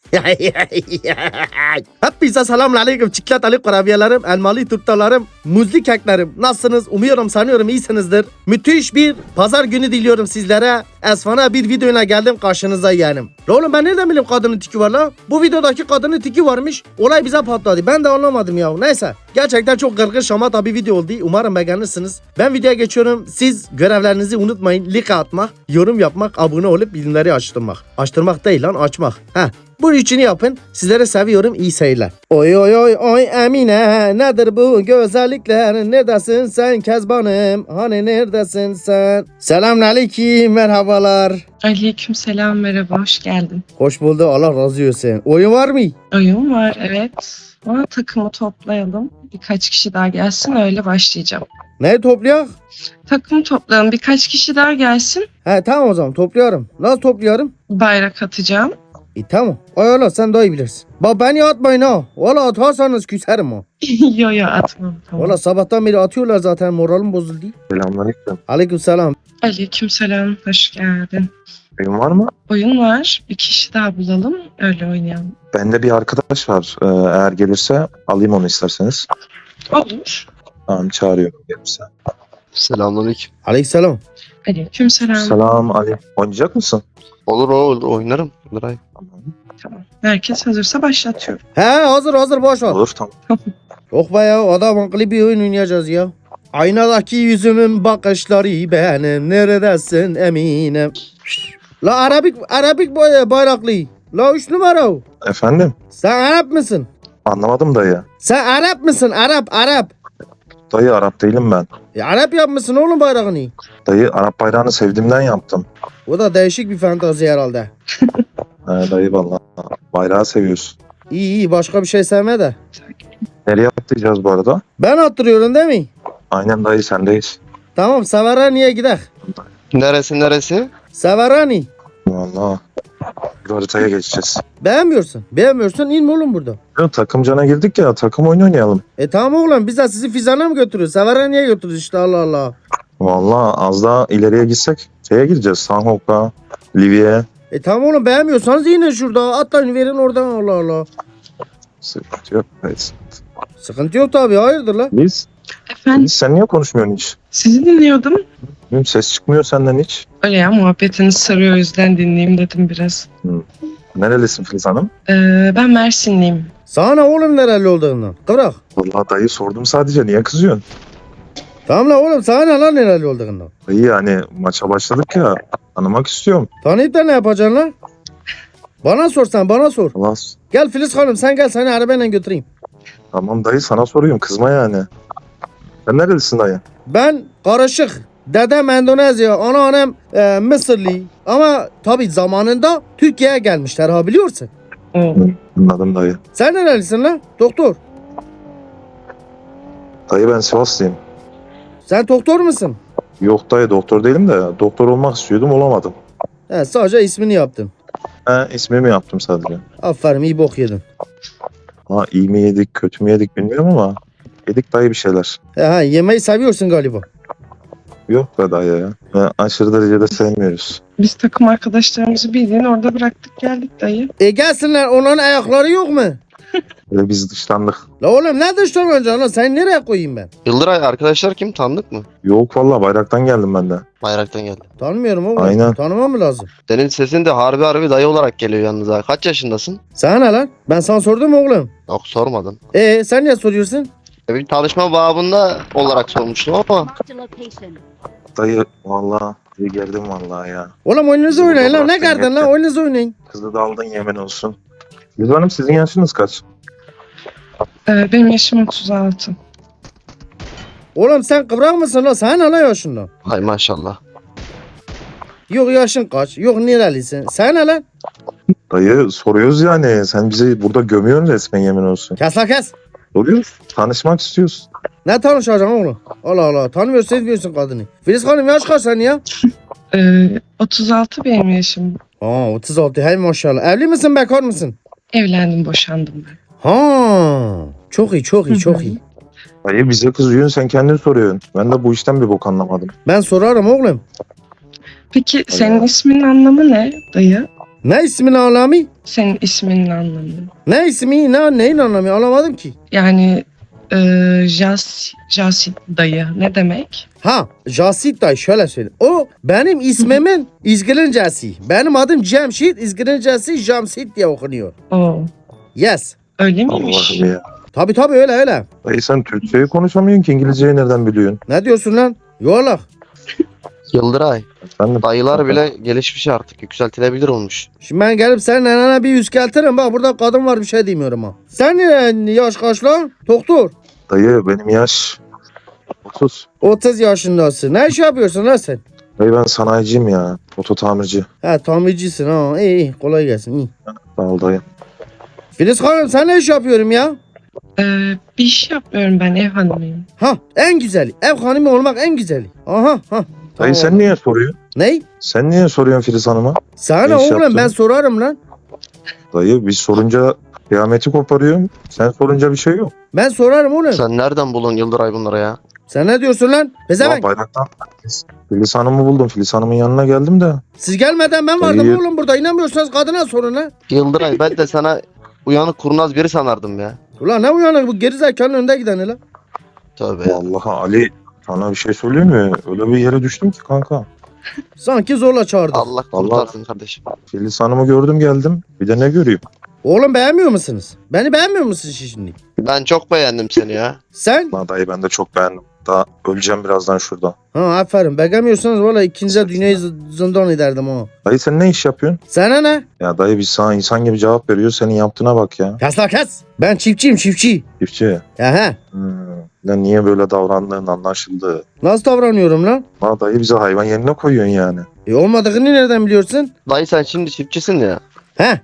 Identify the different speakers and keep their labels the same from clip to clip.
Speaker 1: Hepinize selamun aleyküm çikolatalı kurabiyelerim, elmalı turtalarım, muzlu keklerim. Nasılsınız? Umuyorum, sanıyorum iyisinizdir. Müthiş bir pazar günü diliyorum sizlere. Esfana bir videoyla geldim karşınıza yeğenim. La oğlum ben nereden bileyim kadının tiki var la? Bu videodaki kadının tiki varmış. Olay bize patladı. Ben de anlamadım ya. Neyse. Gerçekten çok gırgır şamata bir video oldu. Umarım beğenirsiniz. Ben videoya geçiyorum. Siz görevlerinizi unutmayın. Like atmak, yorum yapmak, abone olup bildirimleri açtırmak. Açtırmak değil lan, açmak. Bunun için yapın. Sizlere seviyorum. İyi seyirler. Oy oy oy oy Emine. Nedir bu güzellikler? Neredesin sen Kezbanım? Hani neredesin sen? Selamünaleyküm. Merhabalar.
Speaker 2: Aleykümselam, merhaba, hoş geldin.
Speaker 1: Hoş bulduk. Allah razı olsun. Oyun var mı?
Speaker 2: Oyun var, evet. Ama takımı toplayalım. Birkaç kişi daha gelsin, öyle başlayacağım.
Speaker 1: Ne toplayak?
Speaker 2: Takımı toplayalım, birkaç kişi daha gelsin.
Speaker 1: Tamam o zaman topluyorum. Nasıl topluyorum?
Speaker 2: Bayrak atacağım.
Speaker 1: Tamam. Ay Allah sen daha iyi bilirsin. Bak beni atmayın ha. Valla atarsanız küserim ha.
Speaker 2: Yo yo, atmam. Tamam.
Speaker 1: Valla sabahtan beri atıyorlar zaten, moralim bozuldu.
Speaker 3: Selamünaleyküm.
Speaker 1: Aleykümselam.
Speaker 2: Aleykümselam, hoş geldin.
Speaker 3: Oyun var mı?
Speaker 2: Oyun var, bir kişi daha bulalım, öyle oynayalım.
Speaker 3: Bende bir arkadaş var. Eğer gelirse alayım onu isterseniz.
Speaker 2: Olur.
Speaker 3: Tamam çağırıyorum gelirse.
Speaker 4: Selamünaleyküm.
Speaker 1: Aleykümselam.
Speaker 2: Aleykümselam.
Speaker 3: Selam Ali. Oynayacak mısın?
Speaker 4: Olur oynarım. Nuray.
Speaker 2: Tamam. Herkes hazırsa başlatıyorum.
Speaker 1: Hazır boş ver.
Speaker 3: Olur tamam.
Speaker 1: Yok be ya, adam akıllı bir oyun oynayacağız ya. Aynadaki yüzümün bakışları benim, neredesin eminim. La Arabik bayraklı. La 3 numara.
Speaker 3: Efendim?
Speaker 1: Sen Arap mısın?
Speaker 3: Anlamadım dayı.
Speaker 1: Sen Arap mısın? Arap.
Speaker 3: Dayı Arap değilim ben.
Speaker 1: Arap yapmışsın oğlum bayrağını.
Speaker 3: Dayı Arap bayrağını sevdiğimden yaptım.
Speaker 1: O da değişik bir fantazi herhalde.
Speaker 3: Dayı vallahi bayrağı seviyorsun.
Speaker 1: İyi başka bir şey sevme de.
Speaker 3: Nereye atlayacağız bu arada?
Speaker 1: Ben attırıyorum değil mi?
Speaker 3: Aynen dayı sendeyiz.
Speaker 1: Tamam Severani'ye gidelim.
Speaker 4: Neresi?
Speaker 1: Severani.
Speaker 3: Vallahi. Bir haritaya geçeceğiz.
Speaker 1: Beğenmiyorsun inme oğlum burada.
Speaker 3: Takım cana girdik ya, takım oyunu oynayalım.
Speaker 1: Tamam oğlum biz de sizi Fizan'a mı götürüyoruz? Severani'ye götürüyoruz işte, Allah Allah.
Speaker 3: Vallahi az daha ileriye gitsek şeye gireceğiz. Sanhok'a, Livy'ye.
Speaker 1: Tamam oğlum beğenmiyorsanız inin şurada. Atlayın verin oradan, Allah Allah.
Speaker 3: Sıkıntı yok. Evet.
Speaker 1: Sıkıntı yok tabii, hayırdır la?
Speaker 2: Efendim,
Speaker 3: Sen niye konuşmuyorsun hiç?
Speaker 2: sizi dinliyordum.
Speaker 3: Benim ses çıkmıyor senden hiç.
Speaker 2: Öyle ya, muhabbetiniz sarıyor, o yüzden dinleyeyim dedim biraz.
Speaker 3: Nerelisin Filiz Hanım?
Speaker 2: Ben Mersinliyim.
Speaker 1: Sana ne oğlum nereli olduğundan? Kıvrak.
Speaker 3: Vallahi dayı sordum sadece, niye kızıyorsun?
Speaker 1: Tamam la oğlum, sana ne lan nereli olduğundan?
Speaker 3: Dayı yani maça başladık ya, tanımak istiyorum.
Speaker 1: Tanıyıp da ne yapacaksın lan? Bana sor sen, bana sor.
Speaker 3: Allah,
Speaker 1: Gel Filiz Hanım, sen gel, seni arabayla götüreyim.
Speaker 3: tamam dayı sana soruyorum, kızma yani. Sen nerelisin dayı?
Speaker 1: Ben karışık. Dedem Endonezya, anneannem Mısırlı. Ama tabii zamanında Türkiye'ye gelmişler ha, biliyorsun.
Speaker 2: Oo.
Speaker 3: Anladım dayı.
Speaker 1: Sen nerelisin lan? Doktor.
Speaker 3: Dayı ben Sivaslıyım.
Speaker 1: Sen doktor musun?
Speaker 3: Yok dayı doktor değilim de doktor olmak istiyordum, olamadım.
Speaker 1: Sadece ismini yaptın.
Speaker 3: İsmimi yaptım sadece.
Speaker 1: Aferin, iyi bok yedin.
Speaker 3: Ha iyi mi yedik kötü mü yedik bilmiyorum ama yedik dayı bir şeyler.
Speaker 1: Yemeği seviyorsun galiba.
Speaker 3: Yok be dayı ya. Aşırı derecede sevmiyoruz.
Speaker 2: Biz takım arkadaşlarımızı bildiğin orada bıraktık geldik dayı.
Speaker 1: Gelsinler, onların ayakları yok mu?
Speaker 3: Böyle biz dışlandık.
Speaker 1: La oğlum ne dışlanacaksın lan? Sen nereye koyayım ben?
Speaker 4: Yıldıray arkadaşlar kim? Tanıdık mı?
Speaker 3: Yok vallahi bayraktan geldim ben de.
Speaker 4: Bayraktan geldi.
Speaker 1: Tanımıyorum oğlum.
Speaker 3: Aynen.
Speaker 1: Tanımam mı lazım?
Speaker 4: Senin sesin de harbi dayı olarak geliyor yalnız ha. Kaç yaşındasın?
Speaker 1: Sana ne lan? Ben sana sordum mu oğlum?
Speaker 4: Yok sormadın.
Speaker 1: Sen niye soruyorsun?
Speaker 4: Bir tanışma babında olarak sormuştum ama
Speaker 5: Marked a location.
Speaker 3: Dayı vallahi iyi geldim vallahi ya.
Speaker 1: Oğlum oyununuzu
Speaker 3: Bizim
Speaker 1: oynayın lan.
Speaker 3: burada
Speaker 1: Ne kardın lan?
Speaker 3: bıraktın
Speaker 1: Oyununuzu oynayın.
Speaker 3: Kızı da aldın yemin olsun. Yüz Hanım sizin yaşınız kaç?
Speaker 2: Benim yaşım 36.
Speaker 1: Oğlum sen kıvrak mısın lan? Sana ne lan yaşından?
Speaker 4: hay maşallah.
Speaker 1: Yok yaşın kaç? Yok nerelisin? Sana ne lan?
Speaker 3: Dayı soruyoruz yani. Sen bizi burada gömüyorsun resmen yemin olsun.
Speaker 1: Kes la kes.
Speaker 3: Soruyoruz. Tanışmak istiyoruz.
Speaker 1: Ne tanışacaksın oğlum? Allah Allah. Tanımıyorsun, sevmiyorsun kadını. Filiz Hanım yaş kaç sen ya?
Speaker 2: 36 benim yaşım.
Speaker 1: 36. Hey maşallah. Evli misin, bekar mısın?
Speaker 2: Evlendim, boşandım ben.
Speaker 1: Çok iyi, çok iyi.
Speaker 3: Dayı bize kızıyorsun, sen kendin soruyorsun. Ben de bu işten bir bok anlamadım.
Speaker 1: Ben sorarım oğlum.
Speaker 2: Peki senin isminin anlamı ne dayı?
Speaker 1: Ne ismin anlamı?
Speaker 2: Senin isminin anlamı.
Speaker 1: Ne ismi? Neyin anlamı? Anlamadım ki.
Speaker 2: Yani Jasit dayı ne demek?
Speaker 1: Ha, Jasit dayı şöyle söyle. O benim ismimin İzgirincesi. Benim adım Cemşit, İzgirincesi Jamsit diye okunuyor.
Speaker 2: Oo,
Speaker 1: Yes.
Speaker 2: öyle miymiş?
Speaker 3: Allah'ım ya.
Speaker 1: Tabii öyle.
Speaker 3: Dayı sen Türkçeyi konuşamıyorsun ki İngilizceyi nereden biliyorsun?
Speaker 1: Ne diyorsun lan? Yuvarlak.
Speaker 4: Yıldıray.
Speaker 3: Efendim?
Speaker 4: Dayılar bile gelişmiş artık. Yükseltilebilir olmuş.
Speaker 1: Şimdi ben gelip senin nenene bir yüzkeltirim. Bak burada kadın var bir şey demiyorum ha. Sen yaş kaç lan? Doktor.
Speaker 3: Dayı benim yaş 30.
Speaker 1: 30 yaşındasın. Ne iş yapıyorsun lan sen?
Speaker 3: Dayı ben sanayiciyim ya. Oto tamirci.
Speaker 1: Ha tamircisin ha. İyi kolay gelsin. İyi.
Speaker 3: Sağ ol dayı.
Speaker 1: Filiz Hanım sen ne iş yapıyorum ya?
Speaker 2: Bir iş yapmıyorum, ben ev hanımıyım.
Speaker 1: Ha en güzeli. Ev hanımı olmak en güzeli. Aha ha.
Speaker 3: Dayı sen niye soruyorsun?
Speaker 1: Ney?
Speaker 3: Sen niye soruyorsun Filiz Hanım'a?
Speaker 1: Sana
Speaker 3: Ne iş
Speaker 1: oğlum
Speaker 3: yaptın?
Speaker 1: ben sorarım lan.
Speaker 3: Dayı biz sorunca kıyameti koparıyorum. Sen sorunca bir şey yok.
Speaker 1: Ben sorarım oğlum.
Speaker 4: Sen nereden bulun Yıldıray bunları ya?
Speaker 1: Sen ne diyorsun lan?
Speaker 3: Ulan
Speaker 1: Pezevenk.
Speaker 3: bayraktan Filiz Hanım'ı buldum. Filiz Hanım'ın yanına geldim de.
Speaker 1: Siz gelmeden ben vardım
Speaker 3: Dayı-
Speaker 1: oğlum burada. İnanmıyorsanız kadına sorun ha.
Speaker 4: Yıldıray ben de sana uyanık kurnaz biri sanardım ya.
Speaker 1: Ulan ne uyanık bu gerizekanın önde gideni lan.
Speaker 4: Tövbe ya.
Speaker 3: Vallahi Ali sana bir şey söyleyeyim mi? Öyle bir yere düştüm ki kanka.
Speaker 1: Sanki zorla çağırdı.
Speaker 4: Allah kurtarsın kardeşim.
Speaker 3: Filiz Hanım'ı gördüm geldim. Bir de ne göreyim?
Speaker 1: Oğlum beğenmiyor musunuz? Beni beğenmiyor musun şimdi?
Speaker 4: Ben çok beğendim seni ya.
Speaker 1: Sen?
Speaker 3: Lan dayı ben de çok beğendim. Daha öleceğim birazdan şurada.
Speaker 1: Ha aferin. Beğenmiyorsanız valla ikinize dünyayı zindan ederdim ha.
Speaker 3: Dayı sen ne iş yapıyorsun?
Speaker 1: Sana ne?
Speaker 3: Ya dayı biz sana insan gibi cevap veriyor. Senin yaptığına bak ya.
Speaker 1: Kes la kes. Ben çiftçiyim çiftçi.
Speaker 3: Çiftçi.
Speaker 1: Aha.
Speaker 3: Lan niye böyle davrandığın anlaşıldı.
Speaker 1: Nasıl davranıyorum lan?
Speaker 3: Lan dayı bize hayvan yerine koyuyorsun yani.
Speaker 1: Olmadığını nereden biliyorsun?
Speaker 4: Dayı sen şimdi çiftçisin ya.
Speaker 1: He.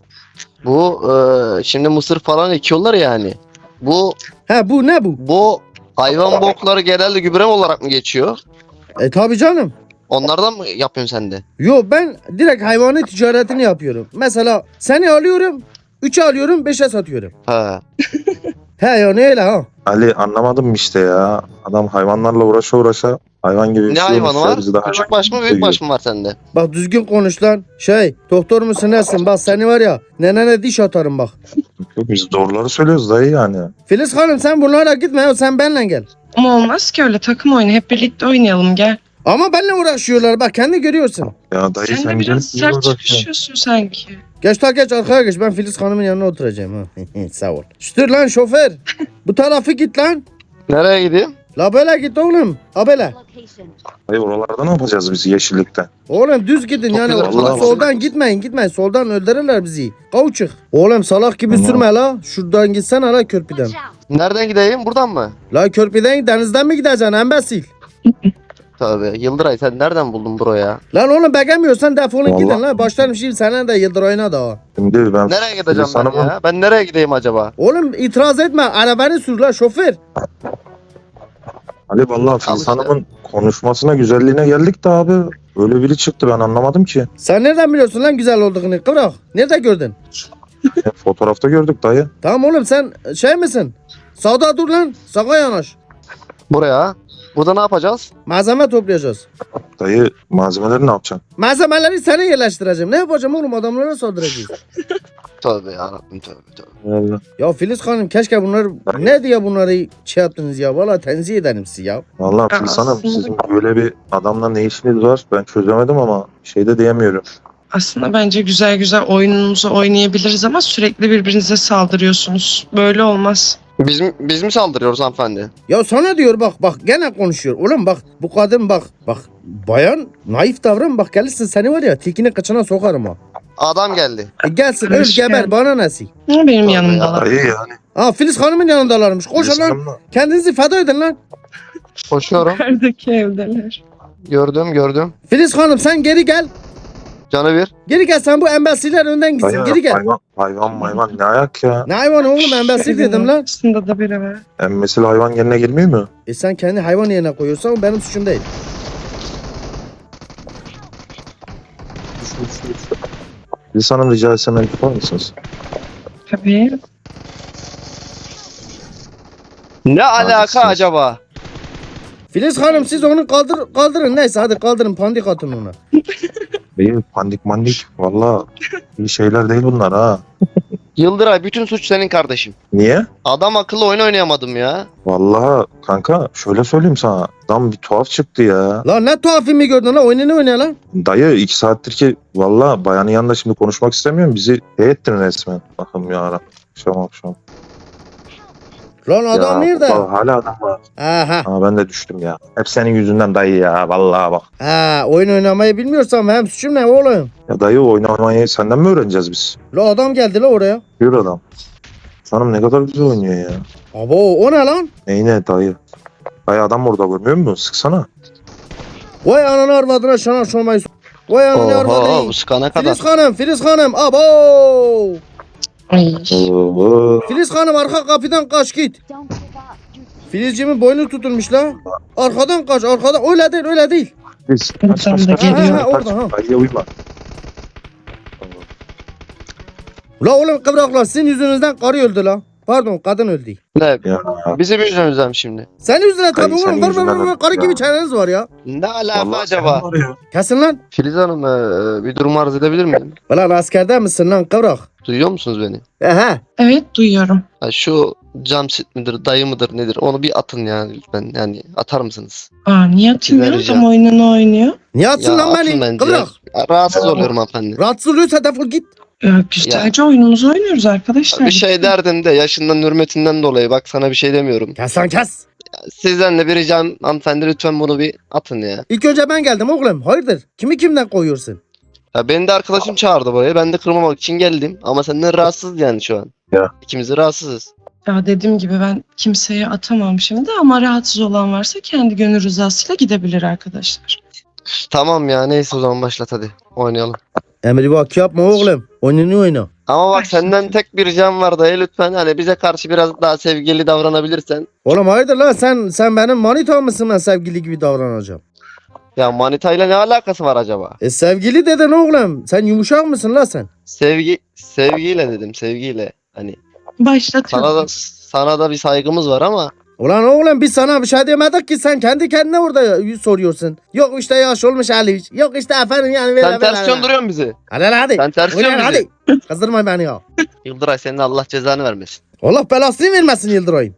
Speaker 4: Bu şimdi mısır falan ekiyorlar yani. Bu
Speaker 1: He bu ne bu?
Speaker 4: bu hayvan bokları genelde gübre olarak mı geçiyor?
Speaker 1: Tabi canım.
Speaker 4: Onlardan mı yapıyorsun sen de?
Speaker 1: Yo ben direkt hayvanı ticaretini yapıyorum. Mesela seni alıyorum. 3'e alıyorum 5'e satıyorum.
Speaker 4: He.
Speaker 1: He ya ne öyle ha?
Speaker 3: Ali anlamadım işte ya. Adam hayvanlarla uğraşa hayvan gibi
Speaker 4: Ne
Speaker 3: bir şey
Speaker 4: hayvanı
Speaker 3: olmuş ya,
Speaker 4: var?
Speaker 3: bizi daha
Speaker 4: Küçük baş mı büyük baş mı var sende?
Speaker 1: Bak düzgün konuş lan. Doktor musun nesin? Bak seni var ya nenene diş atarım bak.
Speaker 3: Yok, biz doğruları söylüyoruz dayı yani.
Speaker 1: Filiz Hanım sen bunlara gitme ya sen benimle gel.
Speaker 2: Ama olmaz ki öyle, takım oyunu, hep birlikte oynayalım, gel.
Speaker 1: Ama benimle uğraşıyorlar bak kendi görüyorsun.
Speaker 3: Ya dayı
Speaker 2: Sen de
Speaker 3: sen
Speaker 2: biraz
Speaker 3: gelip
Speaker 2: sert
Speaker 3: uğraşıyorsun.
Speaker 2: çıkışıyorsun sanki.
Speaker 1: Geç arkaya geç ben Filiz Hanım'ın yanına oturacağım ha. Sağ ol. Şükür lan şoför. Bu tarafı git lan.
Speaker 4: Nereye gideyim?
Speaker 1: La böyle git oğlum. Ha böyle.
Speaker 3: Dayı oralarda ne yapacağız biz yeşillikte?
Speaker 1: Oğlum düz gidin yani
Speaker 4: güzel,
Speaker 1: ortada
Speaker 3: vallahi.
Speaker 1: soldan gitmeyin soldan öldürürler bizi. Kavuçuk. Oğlum salak gibi
Speaker 3: Tamam.
Speaker 1: sürme la. Şuradan gitsene la körpüden.
Speaker 4: Nereden gideyim? Buradan mı?
Speaker 1: La körpüden denizden mi gideceksin embesil?
Speaker 4: Tövbe. Yıldıray sen nereden buldun buraya?
Speaker 1: Lan oğlum beğenmiyorsan defolun
Speaker 3: Vallahi.
Speaker 1: gidin lan. Başlarım şimdi sana da Yıldıray'ına da.
Speaker 3: Şimdi ben
Speaker 4: Nereye gideceğim
Speaker 3: Filiz
Speaker 4: ben
Speaker 3: Hanım'ın-
Speaker 4: ya? Ben nereye gideyim acaba?
Speaker 1: Oğlum itiraz etme. Arabanı sür la şoför.
Speaker 3: Ali vallahi Filiz
Speaker 4: işte.
Speaker 3: Hanım'ın konuşmasına güzelliğine geldik de abi. Öyle biri çıktı ben anlamadım ki.
Speaker 1: Sen nereden biliyorsun lan güzel olduğunu? Kıvrak. Nerede gördün?
Speaker 3: Fotoğrafta gördük dayı.
Speaker 1: Tamam oğlum sen misin? Sağda dur lan. Sağa yanaş.
Speaker 4: Buraya. Burada ne yapacağız?
Speaker 1: Malzeme toplayacağız.
Speaker 3: Dayı malzemeleri ne yapacaksın?
Speaker 1: Malzemeleri sana yerleştireceğim. Ne yapacağım oğlum adamlara saldıracağız.
Speaker 4: Tövbe yarabbim tövbe tövbe.
Speaker 3: Vallahi.
Speaker 1: Ya Filiz Hanım keşke bunları ne diye bunları yaptınız ya. Valla tenzih ederim sizi ya.
Speaker 3: Vallahi Filiz Hanım
Speaker 2: Aslında-
Speaker 3: sizin böyle bir adamla ne işiniz var ben çözemedim ama şey de diyemiyorum.
Speaker 2: Aslında bence güzel güzel oyunumuzu oynayabiliriz ama sürekli birbirinize saldırıyorsunuz. Böyle olmaz.
Speaker 4: Biz mi saldırıyoruz hanımefendi?
Speaker 1: Ya sana diyor bak gene konuşuyor. Oğlum bak bu kadın bak bayan naif davran bak gelirsin seni var ya tilkinin kıçına sokarım ha.
Speaker 4: Adam geldi.
Speaker 1: Gelsin öl
Speaker 2: Hoş
Speaker 1: geber
Speaker 2: geldin.
Speaker 1: bana nesi?
Speaker 2: Ama benim
Speaker 4: Tabii
Speaker 2: yanımdalar.
Speaker 3: Dayı yani.
Speaker 1: Ha Filiz Hanım'ın yanındalarmış. Koşun
Speaker 3: Filiz
Speaker 1: lan
Speaker 3: Hanım'la-
Speaker 1: kendinizi feda edin lan.
Speaker 4: Koşuyorum.
Speaker 2: Yukarıdaki evdeler.
Speaker 4: Gördüm.
Speaker 1: Filiz Hanım sen geri gel.
Speaker 4: Canı bir.
Speaker 1: Geri gel sen bu embesiler önden gitsin
Speaker 3: Dayı
Speaker 1: geri gel.
Speaker 3: hayvan ne ayak ya.
Speaker 1: Ne hayvanı oğlum embesil dedim lan.
Speaker 2: Aslında da biri var.
Speaker 3: Emmesil hayvan yerine girmiyor mu?
Speaker 1: Sen kendi hayvan yerine koyuyorsan o benim suçum değil.
Speaker 3: Filiz Hanım rica etsem el tutar mısınız?
Speaker 2: Tabii.
Speaker 4: Ne alaka
Speaker 3: Haklısınız.
Speaker 4: acaba?
Speaker 1: Filiz Hanım siz onu kaldırın neyse hadi kaldırın pandik atın ona.
Speaker 3: Dayı pandik mandik. Valla iyi şeyler değil bunlar ha.
Speaker 4: Yıldıray bütün suç senin kardeşim.
Speaker 3: Niye?
Speaker 4: Adam akıllı oyun oynayamadım ya.
Speaker 3: Vallahi kanka şöyle söyleyeyim sana. Adam bir tuhaf çıktı ya.
Speaker 1: Lan ne tuhaf filmi gördün lan? Oyunu ne oynuyor lan?
Speaker 3: Dayı 2 saattir ki valla bayanın yanında şimdi konuşmak istemiyorum. Bizi ettin resmen. Bakın ya akşam.
Speaker 1: Lan adam
Speaker 3: Ya,
Speaker 1: nerede?
Speaker 3: bak, hala adam var.
Speaker 1: Aha.
Speaker 3: Ha, ben de düştüm ya. Hep senin yüzünden dayı ya. Vallahi bak.
Speaker 1: Ha, oyun oynamayı bilmiyorsam hem suçum ne oğlum?
Speaker 3: Ya dayı oynamayı senden mi öğreneceğiz biz?
Speaker 1: La adam geldi la oraya.
Speaker 3: Yürü adam. Sanırım ne kadar güzel oynuyor ya.
Speaker 1: Abo o ne lan?
Speaker 3: Neyine dayı? Dayı adam orada görmüyor musun? Sıksana.
Speaker 1: Vay ananı arvadına şana şomayı. Vay ananı
Speaker 4: Oho
Speaker 1: arvadına.
Speaker 4: bu sıkana kadar.
Speaker 1: Filiz Hanım abo.
Speaker 2: Ay.
Speaker 3: Oo.
Speaker 1: Filiz Hanım arka kapıdan kaç git. Filizcimin boynu tutulmuş la. Arkadan kaç arkadan. Öyle değil.
Speaker 3: Biz
Speaker 2: Buradan da geliyor.
Speaker 1: Ha, orada, ha.
Speaker 3: Dayıya uyma.
Speaker 1: La oğlum kıvraklar sizin yüzünüzden karı öldü la. Pardon kadın öldü.
Speaker 4: Ne?
Speaker 3: Ya.
Speaker 4: Bizim yüzümüzden şimdi.
Speaker 1: Senin yüzüne tabii
Speaker 3: Dayı, senin
Speaker 1: oğlum.
Speaker 3: yüzünden öldü
Speaker 1: Karı
Speaker 3: ya.
Speaker 1: gibi çeneniz var ya.
Speaker 4: Ne alaka
Speaker 3: Vallahi
Speaker 4: acaba?
Speaker 3: senin var ya.
Speaker 1: Kesin lan.
Speaker 4: Filiz Hanım bir durum arz edebilir miyim?
Speaker 1: Ulan askerde misin lan kıvrak?
Speaker 4: Duyuyor musunuz beni?
Speaker 1: Ehe.
Speaker 2: Evet duyuyorum.
Speaker 4: Ha, şu Camsit midir, dayı mıdır nedir? Onu bir atın yani lütfen. Yani atar mısınız?
Speaker 2: Aa niye atayım ya?
Speaker 4: Vereceğim.
Speaker 2: Adam oyununu oynuyor.
Speaker 1: Niye atsın lan
Speaker 4: atın
Speaker 1: beni?
Speaker 4: bence.
Speaker 1: Kıvrak.
Speaker 4: Ya, rahatsız oluyorum hanımefendi.
Speaker 1: Rahatsız oluyorsa defol git.
Speaker 2: Güzelce oyunumuzu oynuyoruz arkadaşlar.
Speaker 4: Bir şey derdin de yaşından hürmetinden dolayı bak sana bir şey demiyorum.
Speaker 1: Kes lan kes.
Speaker 4: Sizden de bir ricam hanımefendi lütfen bunu bir atın ya.
Speaker 1: İlk önce ben geldim oğlum. Hayırdır? Kimi kimden koyuyorsun?
Speaker 4: Ya beni de arkadaşım çağırdı buraya. Ben de kırmamak için geldim. Ama senden rahatsız yani şu an.
Speaker 3: Ya.
Speaker 4: İkimiz de rahatsızız.
Speaker 2: Ya dediğim gibi ben kimseye atamam şimdi ama rahatsız olan varsa kendi gönül rızasıyla gidebilir arkadaşlar.
Speaker 4: Tamam ya neyse o zaman başlat hadi. Oynayalım.
Speaker 1: Emri bak yapma oğlum. Oyununu oyna.
Speaker 4: Ama bak
Speaker 2: Başlat.
Speaker 4: senden tek bir ricam var dayı lütfen. Hani bize karşı biraz daha sevgili davranabilirsen.
Speaker 1: Oğlum hayırdır lan sen benim manita mısın ben sevgili gibi davranacağım?
Speaker 4: Ya manitayla ne alakası var acaba?
Speaker 1: Sevgili dedin oğlum. Sen yumuşak mısın lan sen?
Speaker 4: Sevgiyle dedim sevgiyle. Hani
Speaker 2: Başlatıyorum.
Speaker 4: sana da bir saygımız var ama
Speaker 1: Ulan oğlum biz sana bir şey demedik ki sen kendi kendine orada soruyorsun. Yok işte yaş olmuş Ali. Yok işte efendim yani böyle
Speaker 4: sen ters döndürüyorsun bizi.
Speaker 1: Hadi lan hadi.
Speaker 4: Sen ters
Speaker 1: Oynayın
Speaker 4: döndürüyorsun bizi.
Speaker 1: hadi. Kızdırma beni ya.
Speaker 4: Yıldıray senin Allah cezanı vermesin.
Speaker 1: Allah belasını vermesin Yıldıray'ım.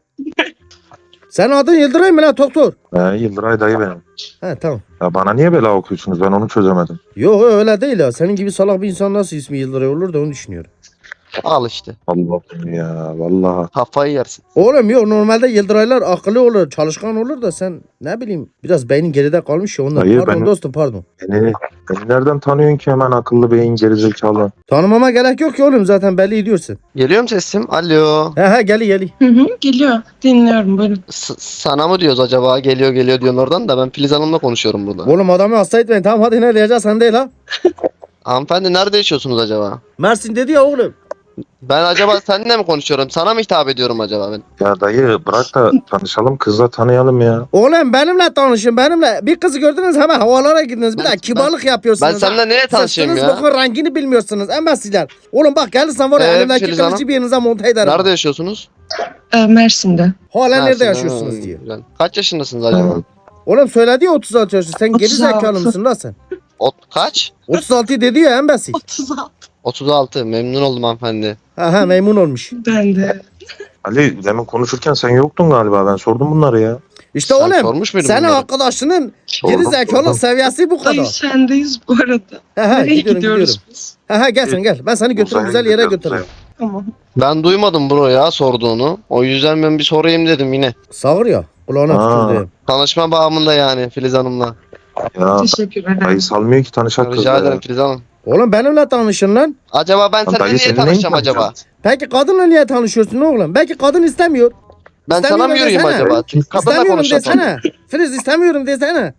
Speaker 1: Senin adın Yıldıray mı lan doktor?
Speaker 3: Yıldıray dayı benim.
Speaker 1: He tamam.
Speaker 3: Ya bana niye bela okuyorsunuz? Ben onu çözemedim.
Speaker 1: Yok öyle değil ya. Senin gibi salak bir insan nasıl ismi Yıldıray olur da onu düşünüyorum.
Speaker 4: Al işte.
Speaker 3: Allah'ım ya vallahi.
Speaker 4: Kafayı yersin.
Speaker 1: Oğlum yok normalde Yıldıraylar akıllı olur, çalışkan olur da sen ne bileyim biraz beynin geride kalmış ya ondan.
Speaker 3: Hayır,
Speaker 1: Pardon
Speaker 3: ben-
Speaker 1: dostum pardon.
Speaker 3: Beni nereden tanıyorsun ki hemen akıllı beyin gerizekalı?
Speaker 1: Tanımama gerek yok ki oğlum zaten belli ediyorsun.
Speaker 4: Geliyor mu sesim? Alo.
Speaker 1: He geli.
Speaker 2: Hı hı, geliyor. Dinliyorum buyurun.
Speaker 4: Sana mı diyoruz acaba? Geliyor diyorsun oradan da ben Filiz Hanım'la konuşuyorum burada.
Speaker 1: Oğlum adamı hasta etmeyin tamam hadi ne diyeceksen değil ha.
Speaker 4: Hanımefendi nerede yaşıyorsunuz acaba?
Speaker 1: Mersin dedi ya oğlum.
Speaker 4: Ben acaba seninle mi konuşuyorum? Sana mı hitap ediyorum acaba ben?
Speaker 3: Ya dayı bırak da tanışalım kızla tanıyalım ya.
Speaker 1: Oğlum benimle tanışın benimle. Bir kızı gördünüz hemen havalara gittiniz. Bir
Speaker 4: Ben-
Speaker 1: de kibarlık yapıyorsunuz.
Speaker 4: Ben seninle neye tanışayım
Speaker 1: Sırtınız
Speaker 4: ya?
Speaker 1: bakın rengini bilmiyorsunuz embesiler. Oğlum bak gelirsen var ya elimdeki
Speaker 4: Filiz
Speaker 1: kılıcı
Speaker 4: Hanım?
Speaker 1: bir yerinize monte ederim.
Speaker 4: Nerede yaşıyorsunuz?
Speaker 2: Mersin'de.
Speaker 1: Hala nerede
Speaker 4: Mersin'de.
Speaker 1: yaşıyorsunuz diye.
Speaker 4: Güzel. Kaç yaşındasınız acaba?
Speaker 1: Oğlum söyledi ya 36 yaşında. Sen geri
Speaker 2: 36.
Speaker 1: zekalı mısın lan sen?
Speaker 4: Kaç?
Speaker 1: 36 dedi ya embesil.
Speaker 2: 36.
Speaker 4: 36. Memnun oldum hanımefendi.
Speaker 1: Ha memnun olmuş.
Speaker 2: Ben de.
Speaker 3: Ali demin konuşurken sen yoktun galiba. Ben sordum bunları ya.
Speaker 1: İşte
Speaker 4: Sen
Speaker 1: oğlum
Speaker 4: sormuş muydun
Speaker 1: senin
Speaker 4: bunları?
Speaker 1: arkadaşının geri
Speaker 3: Sordum.
Speaker 1: zekalı seviyesi bu
Speaker 2: Dayı
Speaker 1: kadar.
Speaker 2: sendeyiz bu arada. Nereye
Speaker 1: Gidiyorum.
Speaker 2: gidiyoruz biz?
Speaker 1: Gel sen gel. Ben seni götürürüm
Speaker 3: Uzaya
Speaker 1: güzel yere
Speaker 3: gidiyoruz,
Speaker 1: götürürüm.
Speaker 2: Tamam.
Speaker 4: Ben duymadım bunu ya sorduğunu. O yüzden ben bir sorayım dedim yine.
Speaker 1: Sağır ya. Kulağına
Speaker 3: Aa.
Speaker 1: tükürdü.
Speaker 4: Tanışma bağımında yani Filiz Hanım'la.
Speaker 3: Ya
Speaker 2: Teşekkür ederim.
Speaker 3: dayı salmıyor ki tanışak kızla
Speaker 4: Rica
Speaker 3: ya.
Speaker 4: ederim Filiz Hanım.
Speaker 1: Oğlum benimle tanışın lan.
Speaker 4: Acaba ben
Speaker 3: Lan
Speaker 4: seninle
Speaker 3: dayı
Speaker 4: niye
Speaker 3: seninle
Speaker 4: tanışacağım
Speaker 3: mi
Speaker 4: acaba?
Speaker 3: tanışacağım?
Speaker 1: Peki kadınla niye tanışıyorsun oğlum? Belki kadın istemiyor.
Speaker 4: Ben sana
Speaker 1: İstemiyorum
Speaker 4: mı yürüyeyim
Speaker 1: desene.
Speaker 4: acaba? Kadınla
Speaker 1: İstemiyorum
Speaker 4: konuşacağım.
Speaker 1: desene. Filiz istemiyorum desene.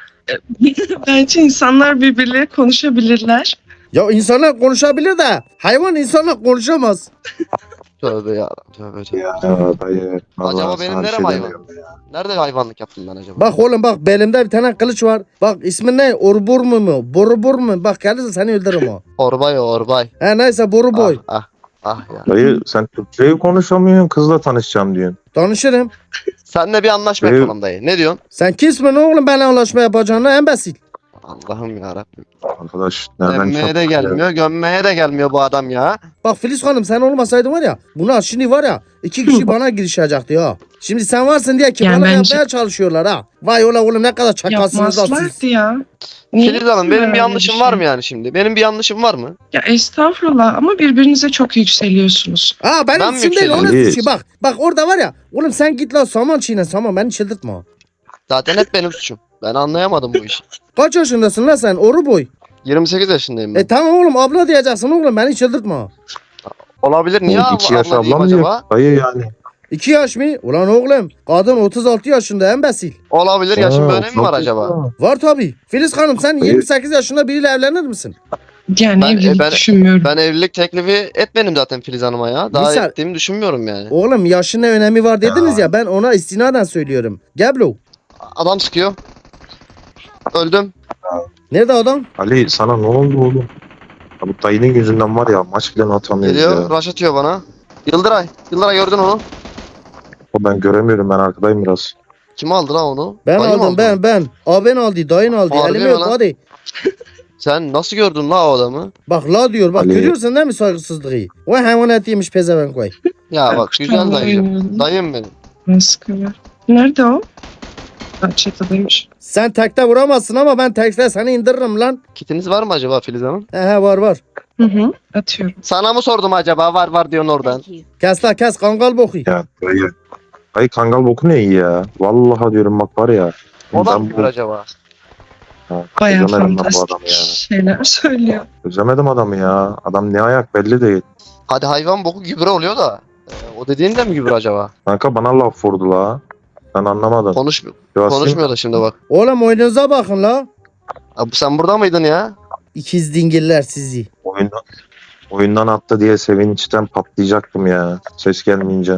Speaker 2: Bence insanlar birbirleriyle konuşabilirler.
Speaker 1: Ya insanlar konuşabilir de hayvan insanla konuşamaz.
Speaker 4: Tövbe ya. Tövbe tövbe.
Speaker 3: Ya dayı. vallahi
Speaker 4: Acaba benim
Speaker 3: sana bir
Speaker 4: nerem
Speaker 3: şey
Speaker 4: hayvan?
Speaker 3: demiyorum ya.
Speaker 4: Nerede hayvanlık yaptım ben acaba?
Speaker 1: Bak oğlum bak belimde bir tane kılıç var. Bak ismin ne? Orbur mu? Borubur mu? Bak gelirse seni öldürürüm o.
Speaker 4: Orbay o Orbay.
Speaker 1: He neyse boru boy.
Speaker 4: Ah ya.
Speaker 3: Dayı sen Türkçeyi konuşamıyorsun kızla tanışacağım diyorsun.
Speaker 1: Tanışırım.
Speaker 4: Seninle bir anlaşma
Speaker 3: Dayı-
Speaker 4: yapalım dayı. Ne diyorsun?
Speaker 1: Sen kimsin oğlum benimle anlaşma yapacağına embesil.
Speaker 4: Allah'ım yarabbim.
Speaker 3: Arkadaş nereden
Speaker 4: Emmeye de gelmiyor, gömmeye de gelmiyor bu adam ya.
Speaker 1: Bak Filiz Hanım sen olmasaydın var ya. Buna şimdi var ya 2 kişi bana girişecekti ya. Şimdi sen varsın diye ki
Speaker 2: Yani
Speaker 1: bana
Speaker 2: bence-
Speaker 1: yapmaya çalışıyorlar ha. Vay ola oğlum ne kadar çakalsınız da siz.
Speaker 2: Yapmazlardı ya. Niye
Speaker 4: Filiz Hanım benim
Speaker 2: böyle
Speaker 4: bir yanlışım
Speaker 2: şey?
Speaker 4: var mı yani şimdi? Benim bir yanlışım var mı?
Speaker 2: Ya estağfurullah ama birbirinize çok yükseliyorsunuz.
Speaker 1: Ha benim
Speaker 4: Ben mi
Speaker 1: suçum değil onun
Speaker 3: yükseliyorum?
Speaker 1: suçu bak. Bak orada var ya. Oğlum sen git lan saman çiğne saman beni çıldırtma.
Speaker 4: Zaten hep benim suçum. Ben anlayamadım bu işi.
Speaker 1: Kaç yaşındasın lan sen oru boy.
Speaker 4: 28 yaşındayım ben.
Speaker 1: Tamam oğlum abla diyeceksin oğlum beni çıldırtma.
Speaker 4: Olabilir. Niye
Speaker 3: 2 yaş
Speaker 4: abla diyeyim
Speaker 3: ablam diyor.
Speaker 4: acaba?
Speaker 3: Dayı yani.
Speaker 1: 2 yaş mı? Ulan oğlum kadın 36 yaşında embesil.
Speaker 4: Olabilir. Yaşın
Speaker 3: Aa,
Speaker 4: bir önemi mi var
Speaker 3: çok-
Speaker 4: acaba?
Speaker 1: Var tabi. Filiz Hanım sen
Speaker 3: Dayı-
Speaker 1: 28 yaşında biriyle evlenir misin?
Speaker 2: Yani
Speaker 4: Ben-
Speaker 2: evlilik
Speaker 4: ben-
Speaker 2: düşünmüyorum.
Speaker 4: Ben evlilik teklifi etmedim zaten Filiz Hanım'a ya. Daha
Speaker 1: Misal-
Speaker 4: ettiğimi düşünmüyorum yani.
Speaker 1: Oğlum yaşın ne önemi var dediniz ya ben ona istinaden söylüyorum. Geblo.
Speaker 4: Adam sıkıyor. Öldüm.
Speaker 1: Nerede adam?
Speaker 3: Ali sana ne oldu oğlum? Ya bu dayının yüzünden var ya maç bile atamıyoruz
Speaker 4: Geliyor.
Speaker 3: ya.
Speaker 4: Rush atıyor bana. Yıldıray. Yıldıray gördün onu.
Speaker 3: O ben göremiyorum ben arkadayım biraz.
Speaker 4: Kim aldı lan onu?
Speaker 1: Ben
Speaker 4: Dayı mı
Speaker 1: aldım
Speaker 4: aldı?
Speaker 1: ben. Abin aldı dayın aldı.
Speaker 4: Harbi
Speaker 1: Elime
Speaker 4: mi
Speaker 1: yok
Speaker 4: lan?
Speaker 1: hadi.
Speaker 4: Sen nasıl gördün la o adamı?
Speaker 1: Bak la diyor bak
Speaker 3: Ali.
Speaker 1: görüyorsun değil mi saygısızlığı? O hayvanat yemiş pezevenk vay.
Speaker 4: Ya bak güzel
Speaker 2: Tamam,
Speaker 4: dayıcım.
Speaker 2: oynuyorum.
Speaker 4: Dayım benim.
Speaker 2: Maskara. Nerede o? Çatıdaymış.
Speaker 1: Sen tekte vuramazsın ama ben tekte seni indiririm lan.
Speaker 4: Kitiniz var mı acaba Filiz Hanım?
Speaker 1: He var var.
Speaker 2: Hı hı. Atıyorum.
Speaker 4: Sana mı sordum acaba? Var var diyorsun oradan.
Speaker 1: Kes la kes kangal boku.
Speaker 3: Ya dayı. Dayı kangal boku ne iyi ya. Vallahi diyorum bak var ya.
Speaker 4: O da
Speaker 3: ben
Speaker 4: mı gübür acaba?
Speaker 2: Bayağı
Speaker 3: Özemedim ben bu
Speaker 2: fantastik
Speaker 3: adamı ya.
Speaker 2: şeyler söylüyor.
Speaker 3: Özemedim adamı ya. Adam ne ayak belli değil.
Speaker 4: Hadi hayvan boku gübre oluyor da. O dediğin de mi gübre acaba?
Speaker 3: Kanka bana laf vurdu la. Ben anlamadım.
Speaker 4: Konuşmuyor da şimdi bak.
Speaker 1: Oğlum oyununuza bakın la.
Speaker 4: Abi sen burada mıydın ya?
Speaker 1: İkiz dingiller sizi.
Speaker 3: Oyundan attı diye sevinçten patlayacaktım ya. Ses gelmeyince.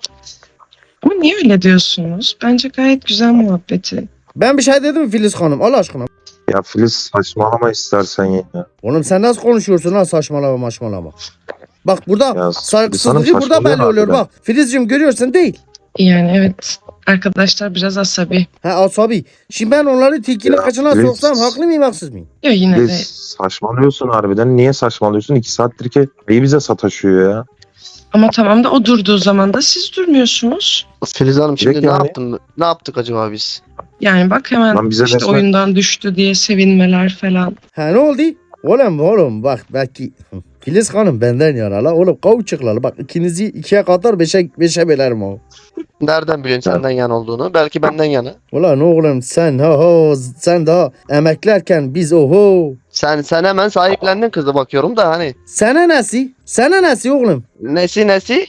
Speaker 2: Ama niye öyle diyorsunuz? Bence gayet güzel muhabbeti.
Speaker 1: Ben bir şey dedim mi Filiz Hanım Allah aşkına?
Speaker 3: Ya Filiz saçmalama istersen ya.
Speaker 1: Oğlum sen nasıl konuşuyorsun lan saçmalama maşmalama. Bak burada
Speaker 3: Ya,
Speaker 1: saygısızlığı
Speaker 3: insanın
Speaker 1: burada belli
Speaker 3: saçmalıyor
Speaker 1: oluyor
Speaker 3: harbiden.
Speaker 1: bak. Filizciğim görüyorsun değil.
Speaker 2: Yani evet. Arkadaşlar biraz asabi.
Speaker 1: Ha asabi. Şimdi ben onları tilkinin
Speaker 3: Ya,
Speaker 1: kaçına
Speaker 3: Filiz-
Speaker 1: soksam haklı mıyım haksız mıyım?
Speaker 2: Yok yine de.
Speaker 3: Filiz saçmalıyorsun harbiden. Niye saçmalıyorsun? 2 saattir ki neyi bize sataşıyor ya.
Speaker 2: Ama tamam da o durduğu zaman da siz durmuyorsunuz.
Speaker 4: Filiz Hanım şimdi
Speaker 3: Direkt
Speaker 4: ne
Speaker 3: yani.
Speaker 4: yaptın? Ne yaptık acaba biz?
Speaker 2: Yani bak hemen
Speaker 3: Lan bize
Speaker 2: işte
Speaker 3: resmen-
Speaker 2: oyundan düştü diye sevinmeler falan.
Speaker 1: Ha ne oldu? Oğlum bak belki Filiz Hanım benden yana la. Oğlum kavuşuklar bak ikinizi 2'ye kadar 5'e bölerim o.
Speaker 4: Nereden biliyorsun senden yan olduğunu? Belki benden yana.
Speaker 1: Ulan oğlum sen daha emeklerken biz oho.
Speaker 4: Sen hemen sahiplendin kızı bakıyorum da hani.
Speaker 1: Sana nesi? Sana nesi oğlum?
Speaker 4: Nesi?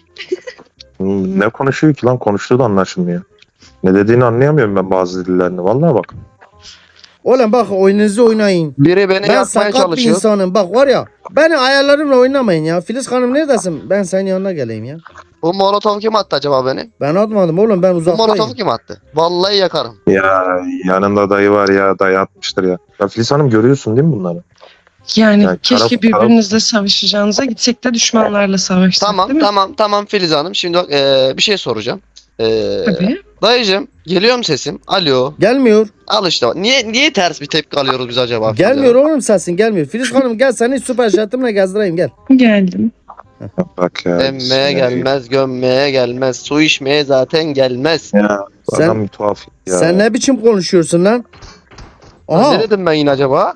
Speaker 3: Ne konuşuyor ki lan? Konuştuğu da anlaşılmıyor. Ne dediğini anlayamıyorum ben bazı dillerini. Vallahi bak.
Speaker 1: Oğlum bak oyununuzu oynayın.
Speaker 4: Biri beni
Speaker 1: Ben
Speaker 4: yakmaya
Speaker 1: sakat bir
Speaker 4: çalışıyor.
Speaker 1: insanım. Bak var ya beni ayarlarımla oynamayın ya. Filiz Hanım neredesin? Ben senin yanına geleyim ya.
Speaker 4: Bu molotofu kim attı acaba beni?
Speaker 1: Ben atmadım oğlum ben
Speaker 4: Bu
Speaker 1: uzaktayım.
Speaker 4: molotofu kim attı? Vallahi yakarım.
Speaker 3: Ya yanında dayı var ya. Dayı atmıştır ya. Ya Filiz Hanım görüyorsun değil mi bunları?
Speaker 2: Yani
Speaker 3: Yani
Speaker 2: keşke
Speaker 3: taraf-
Speaker 2: birbirinizle savaşacağınıza gitsek de düşmanlarla savaşsak değil mi?
Speaker 4: Tamam Filiz Hanım. Şimdi bak, bir şey soracağım.
Speaker 2: Tabii.
Speaker 4: Dayıcım geliyor mu sesim? Alo.
Speaker 1: Gelmiyor.
Speaker 4: Al işte bak. Niye ters bir tepki alıyoruz biz acaba? Filiz
Speaker 1: Gelmiyor
Speaker 4: Hanım?
Speaker 1: oğlum sesin gelmiyor. Filiz Hanım gel seni süper jetimle gezdireyim gel.
Speaker 2: Geldim.
Speaker 3: Bak ya.
Speaker 4: Emmeye gelmez, gömmeye gelmez, su içmeye zaten gelmez.
Speaker 3: Ya bu
Speaker 1: Sen-
Speaker 3: adam bir tuhaf ya.
Speaker 1: Sen ne biçim konuşuyorsun lan? Aha.
Speaker 4: Ne dedim ben yine acaba?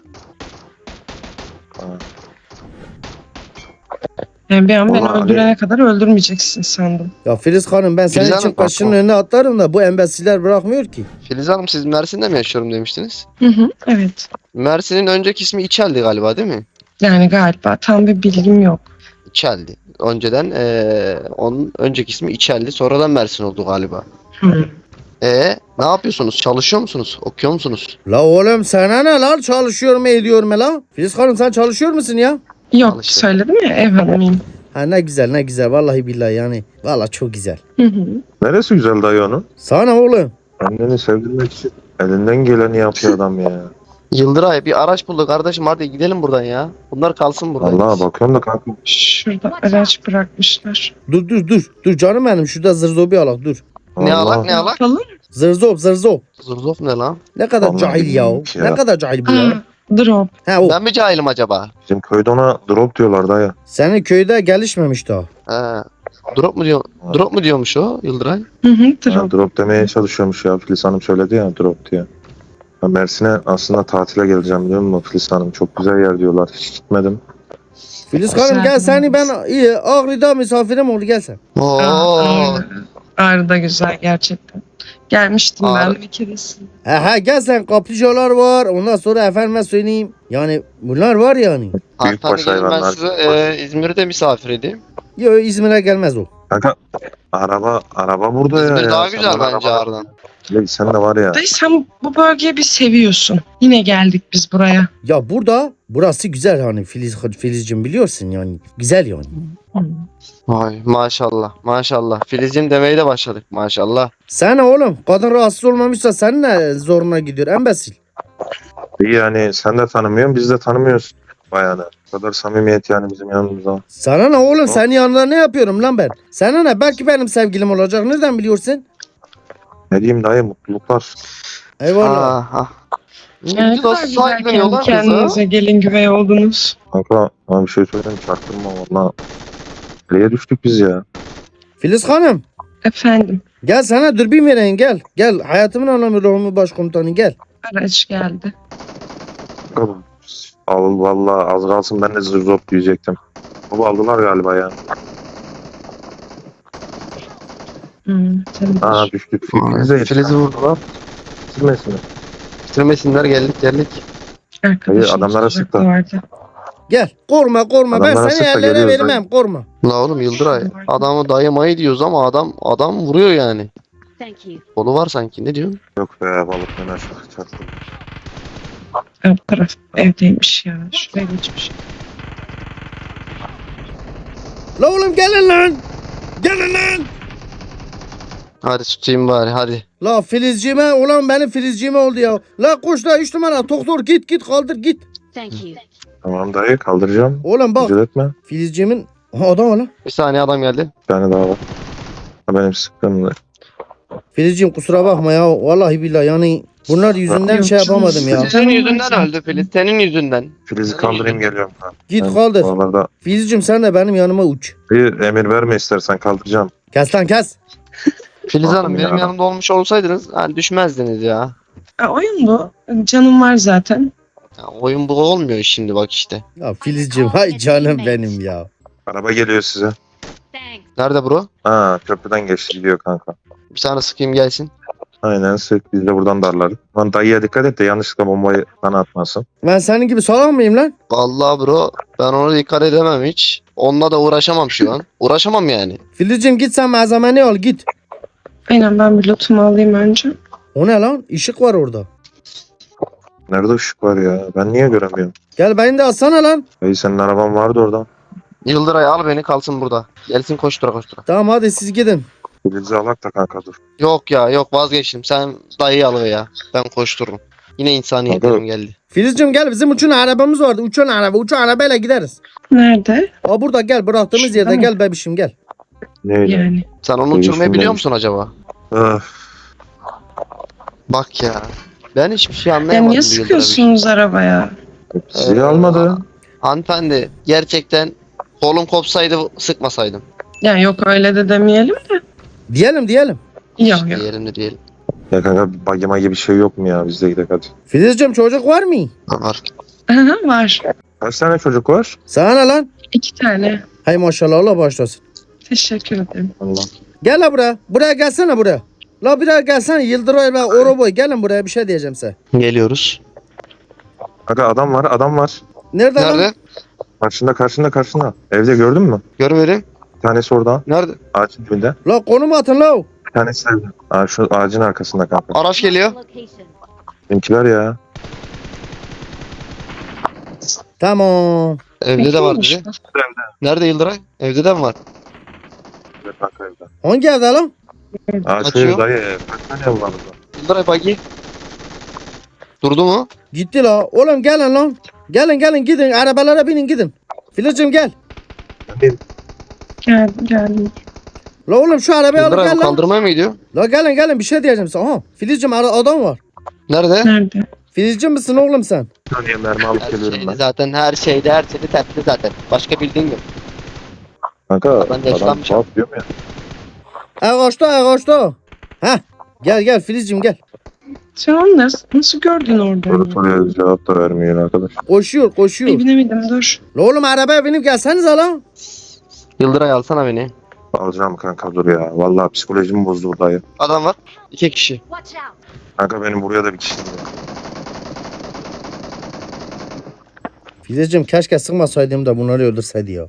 Speaker 2: Yani bir an beni
Speaker 3: Vallahi
Speaker 2: öldürene kadar öldürmeyeceksin sandım.
Speaker 1: Ya Filiz Hanım ben senin
Speaker 4: Filiz
Speaker 1: için
Speaker 4: Hanım,
Speaker 1: kaşının
Speaker 3: bak o.
Speaker 1: önüne atlarım da bu embesiller bırakmıyor ki.
Speaker 4: Filiz Hanım siz Mersin'de mi yaşıyorum demiştiniz?
Speaker 2: Hı hı, evet.
Speaker 4: Mersin'in önceki ismi İçel'di galiba değil mi?
Speaker 2: Yani galiba tam bir bilgim yok.
Speaker 4: İçel'di. Önceden onun önceki ismi İçel'di. Sonradan Mersin oldu galiba.
Speaker 2: Hı.
Speaker 4: Ne yapıyorsunuz? Çalışıyor musunuz? Okuyor musunuz?
Speaker 1: La oğlum sana ne lan çalışıyor mu ediyor mu la? Filiz Hanım sen çalışıyor musun ya?
Speaker 2: Yok
Speaker 4: Al işte.
Speaker 2: söyledim ya ev hanımıyım.
Speaker 1: Ha ne güzel vallahi billahi yani. Vallahi çok güzel.
Speaker 2: Hı hı.
Speaker 3: Neresi güzel dayı onun?
Speaker 1: Sana oğlum.
Speaker 3: Anneni sevdirmek için elinden geleni yapıyor adam ya.
Speaker 4: Yıldıray bir araç buldu kardeşim hadi gidelim buradan ya. Bunlar kalsın burada.
Speaker 3: Vallahi bakıyorum da kanka.
Speaker 2: Şurada araç bırakmışlar.
Speaker 1: Dur canım benim şurada zırzobi alak dur.
Speaker 4: Ne
Speaker 3: vallahi-
Speaker 4: alak ne alak?
Speaker 2: Yapalım.
Speaker 1: Zırzop.
Speaker 4: Zırzof ne lan?
Speaker 1: Ne kadar
Speaker 3: Vallahi
Speaker 1: cahil ya.
Speaker 3: bilmiyorum ki ya.
Speaker 1: Ne kadar cahil bu ya.
Speaker 2: Aa, Drop.
Speaker 1: Ha o.
Speaker 4: Ben mi cahilim acaba?
Speaker 3: Bizim köyde ona drop diyorlar dayı.
Speaker 1: Senin köyde gelişmemiş daha.
Speaker 4: He. Drop mu diyormuş o Yıldıray?
Speaker 2: Hı hı,
Speaker 3: Ha,
Speaker 2: drop.
Speaker 3: drop demeye çalışıyormuş ya. Filiz Hanım söyledi ya drop diye. Ben Mersin'e aslında tatile geleceğim biliyor musun Filiz Hanım? Çok güzel yer diyorlar. Hiç gitmedim.
Speaker 1: Filiz Hanım gel seni ben iyi Ağrı'da misafirim oldu gel sen.
Speaker 4: Oo.
Speaker 2: Ağrı da güzel gerçekten. Gelmiştim
Speaker 4: Ağrı.
Speaker 2: ben bir keresinde.
Speaker 1: Ha gel sen kaplıcalar var ondan sonra efendime söyleyeyim. Yani bunlar var yani.
Speaker 3: Büyükbaş
Speaker 4: Hanımefendi gelin, ben
Speaker 3: hayvanlar.
Speaker 4: size İzmir'de misafir edeyim.
Speaker 1: Yo İzmir'e gelmez o.
Speaker 3: Kanka araba burada ya.
Speaker 4: İzmir daha
Speaker 3: Sen
Speaker 4: güzel
Speaker 3: bana
Speaker 4: bence
Speaker 3: araba-
Speaker 4: Ağrı'dan.
Speaker 3: Sen de var ya.
Speaker 2: Dayı sen bu bölgeyi bir seviyorsun. Yine geldik biz buraya.
Speaker 1: Ya burası güzel hani Filizciğim biliyorsun yani. Güzel yani.
Speaker 4: Vay maşallah maşallah. Filizciğim demeye de başladık maşallah.
Speaker 1: Sana oğlum kadın rahatsız olmamışsa senin ne zoruna gidiyor embesil.
Speaker 3: İyi yani sen de tanımıyorsun biz de tanımıyoruz bayanı. Bu kadar samimiyet yani bizim yanımızda.
Speaker 1: Sana ne oğlum senin yanında ne yapıyorum lan ben? Sana ne belki benim sevgilim olacak nereden biliyorsun?
Speaker 3: Ne diyeyim dayı mutluluklar.
Speaker 1: Eyvallah.
Speaker 4: Ah.
Speaker 2: Ne
Speaker 4: Ne
Speaker 2: kadar
Speaker 4: güzel
Speaker 2: güzel
Speaker 4: sahipleniyorlar kızı.
Speaker 2: kendinize gelin güvey oldunuz.
Speaker 3: Kanka bana bir şey söyleyeyim çaktırma valla. Nereye düştük biz ya?
Speaker 1: Filiz Hanım
Speaker 2: Efendim,
Speaker 1: gel sana dürbün vereyim gel. Gel hayatımın anlamı ruhumu başkomutanı gel.
Speaker 2: araç geldi.
Speaker 3: Al valla az kalsın ben de zırzop diyecektim. Baba aldılar galiba ya.
Speaker 2: Tabii.
Speaker 3: Aa düştük.
Speaker 4: Filiz'i vurdular.
Speaker 3: Bitirmesin mi?
Speaker 4: Bitirmesinler geldik.
Speaker 2: Arkadaşım
Speaker 3: adamlara
Speaker 2: sokakta
Speaker 3: sıktı.
Speaker 2: vardı.
Speaker 1: Gel korkma ben
Speaker 3: Adamlara
Speaker 1: seni
Speaker 3: sık da
Speaker 1: ellere
Speaker 3: geliyoruz
Speaker 1: vermem korkma.
Speaker 4: La oğlum Yıldıray. Adamı dayımayı diyoruz ama adam vuruyor yani.
Speaker 5: Thank you.
Speaker 4: Kolu var sanki ne diyorsun?
Speaker 3: Yok be balık ben aşağı çaktım.
Speaker 2: Alt taraf evdeymiş ya. Şuraya geçmiş.
Speaker 1: La oğlum gelin lan. Gelin lan.
Speaker 4: Hadi tutayım bari hadi.
Speaker 1: La Filizciğime ulan benim Filizciğime oldu ya. La koş la 3 numara doktor git kaldır git.
Speaker 5: Thank you.
Speaker 3: Tamam dayı kaldıracağım.
Speaker 1: Oğlum bak
Speaker 3: Acele etme.
Speaker 1: Filizciğimin adam var lan.
Speaker 4: Bir saniye adam geldi.
Speaker 3: Bir tane daha var. Ha, benim sıkkınım.
Speaker 1: Filizciğim kusura bakma ya. Vallahi billahi yani bunlar yüzünden
Speaker 2: Yok
Speaker 1: şey
Speaker 2: canım,
Speaker 1: yapamadım ya.
Speaker 2: sıkıntı-
Speaker 4: Senin yüzünden öldü Filiz. Senin yüzünden.
Speaker 3: Filiz'i kaldırayım geliyorum. Ha.
Speaker 1: Git
Speaker 3: Ben
Speaker 1: kaldır.
Speaker 3: Oralarda
Speaker 1: Filizciğim sen de benim yanıma uç.
Speaker 3: bir emir verme istersen kaldıracağım.
Speaker 1: Kes lan kes.
Speaker 4: Filiz
Speaker 3: Bakın
Speaker 4: Hanım benim
Speaker 3: ya.
Speaker 4: yanımda olmuş olsaydınız hani düşmezdiniz ya.
Speaker 2: Oyun bu. Canım var zaten.
Speaker 4: Ya oyun bu olmuyor şimdi bak işte.
Speaker 1: Ya Filizciğim hay canım benim ya.
Speaker 3: Araba geliyor size.
Speaker 5: Thanks.
Speaker 4: Nerede bro?
Speaker 3: Ha köprüden geçti gidiyor kanka.
Speaker 4: Bir tane sıkayım gelsin.
Speaker 3: Aynen sık biz de buradan darlarız. Lan dayıya dikkat et de yanlışlıkla bombayı bana atmasın.
Speaker 1: Ben senin gibi salak mıyım lan?
Speaker 4: Vallahi bro ben ona dikkat edemem hiç. Onunla da uğraşamam şu an. Uğraşamam yani.
Speaker 1: Filizciğim git sen malzemeni al git.
Speaker 2: Aynen ben bir lootumu alayım önce.
Speaker 1: O ne lan? Işık var orada.
Speaker 3: Nerede ışık var ya? Ben niye göremiyorum?
Speaker 1: Gel beni de alsana lan.
Speaker 3: Dayı senin araban vardı orada.
Speaker 4: Yıldıray al beni kalsın burada. Gelsin koştura koştura.
Speaker 1: Tamam hadi siz gidin.
Speaker 3: Filiz'i alak da kanka dur.
Speaker 4: Yok ya yok vazgeçtim. Sen dayıyı al ya. Ben koştururum. Yine insaniyetlerim geldi.
Speaker 1: Filizciğim gel bizim uçan arabamız vardı. Uçan arabayla gideriz.
Speaker 2: Nerede?
Speaker 1: Aa burada gel bıraktığımız
Speaker 2: Şurada
Speaker 1: yerde
Speaker 2: mı?
Speaker 1: gel bebişim gel.
Speaker 3: Neyle?
Speaker 2: Yani.
Speaker 4: Sen onu
Speaker 3: Değişim
Speaker 4: uçurmayı biliyor
Speaker 3: demiş.
Speaker 4: musun acaba?
Speaker 3: Öf.
Speaker 4: Bak ya. Ben hiçbir şey
Speaker 2: Ya
Speaker 4: anlayamadım.
Speaker 2: niye
Speaker 4: bu Yıldıray
Speaker 2: sıkıyorsunuz arabaya?
Speaker 3: Sizi almadı.
Speaker 4: Hanımefendi gerçekten kolum kopsaydı sıkmasaydım.
Speaker 2: Ya yok öyle de demeyelim de.
Speaker 1: Diyelim.
Speaker 2: Yok yok.
Speaker 4: Diyelim de diyelim.
Speaker 3: Ya kanka bagima gibi bir şey yok mu ya? Biz de gidelim hadi.
Speaker 1: Filizciğim çocuk var mı?
Speaker 4: Var.
Speaker 2: Aha, var.
Speaker 3: Kaç tane çocuk var?
Speaker 1: Sana ne lan?
Speaker 2: 2 tane.
Speaker 1: Hay maşallah Allah başlasın.
Speaker 2: Teşekkür ederim.
Speaker 3: Allah.
Speaker 1: Gel la buraya. Buraya gelsene buraya. La buraya gelsene Yıldıray ve Oroboy gelin buraya bir şey diyeceğim size.
Speaker 4: Geliyoruz.
Speaker 3: Kanka adam var.
Speaker 1: Nerede, lan?
Speaker 4: Nerede?
Speaker 3: Karşında. Evde gördün mü?
Speaker 4: Görmedim.
Speaker 3: Bir tanesi orada.
Speaker 4: Nerede?
Speaker 3: Ağacın dibinde.
Speaker 1: La konum atın la.
Speaker 3: Bir tanesi evde. Aa, şu ağacın arkasında kanka.
Speaker 4: Araç geliyor.
Speaker 5: Location.
Speaker 3: Benimkiler ya.
Speaker 1: Tamam.
Speaker 4: Evde de var
Speaker 2: Bekliyormuş
Speaker 4: dedi.
Speaker 2: bu.
Speaker 4: Nerede Yıldıray? Evde de mi var?
Speaker 3: Evet kanka evde.
Speaker 1: Hangi evde lan?
Speaker 3: Aa şu
Speaker 4: Açıyor.
Speaker 3: ev dayı. Kaç tane ev var burada?
Speaker 4: Yıldıray bagi. Durdu mu?
Speaker 1: Gitti la. Oğlum gelin lan. Gelin gidin arabalara binin gidin. Filizciğim gel.
Speaker 2: Geldim.
Speaker 1: La oğlum şu arabayı alıp
Speaker 4: Yıldıray
Speaker 1: gel
Speaker 4: bu
Speaker 1: lan.
Speaker 4: kaldırmaya mı gidiyor?
Speaker 1: La gelin bir şey diyeceğim sana. Aha Filizciğim adam var.
Speaker 4: Nerede?
Speaker 2: Nerede?
Speaker 1: Filizciğim misin oğlum sen?
Speaker 3: Bir saniye mermi alıp
Speaker 4: Her
Speaker 3: geliyorum
Speaker 4: şeyde
Speaker 3: ben.
Speaker 4: zaten her şeyde tepti zaten. Başka bildiğin yok.
Speaker 3: Kanka
Speaker 4: Ben de
Speaker 3: adam
Speaker 4: yaşlanmış.
Speaker 3: tuhaf diyorum ya.
Speaker 1: Ağaçta. Heh. Gel Filizciğim gel.
Speaker 2: Sen onu nasıl gördün orada?
Speaker 3: Soru soruya cevap da vermiyor arkadaş.
Speaker 1: Koşuyor.
Speaker 2: Ay binemedim dur.
Speaker 1: La oğlum arabaya binip gelsenize lan.
Speaker 4: Yıldıray alsana beni.
Speaker 3: Alacağım kanka dur ya. Vallahi psikolojimi bozdu bu dayı.
Speaker 4: Adam var. 2 kişi.
Speaker 5: Watch out.
Speaker 3: Kanka benim buraya da bir kişi geliyor.
Speaker 1: Filizciğim keşke sıkmasaydım da bunları öldürseydi ya.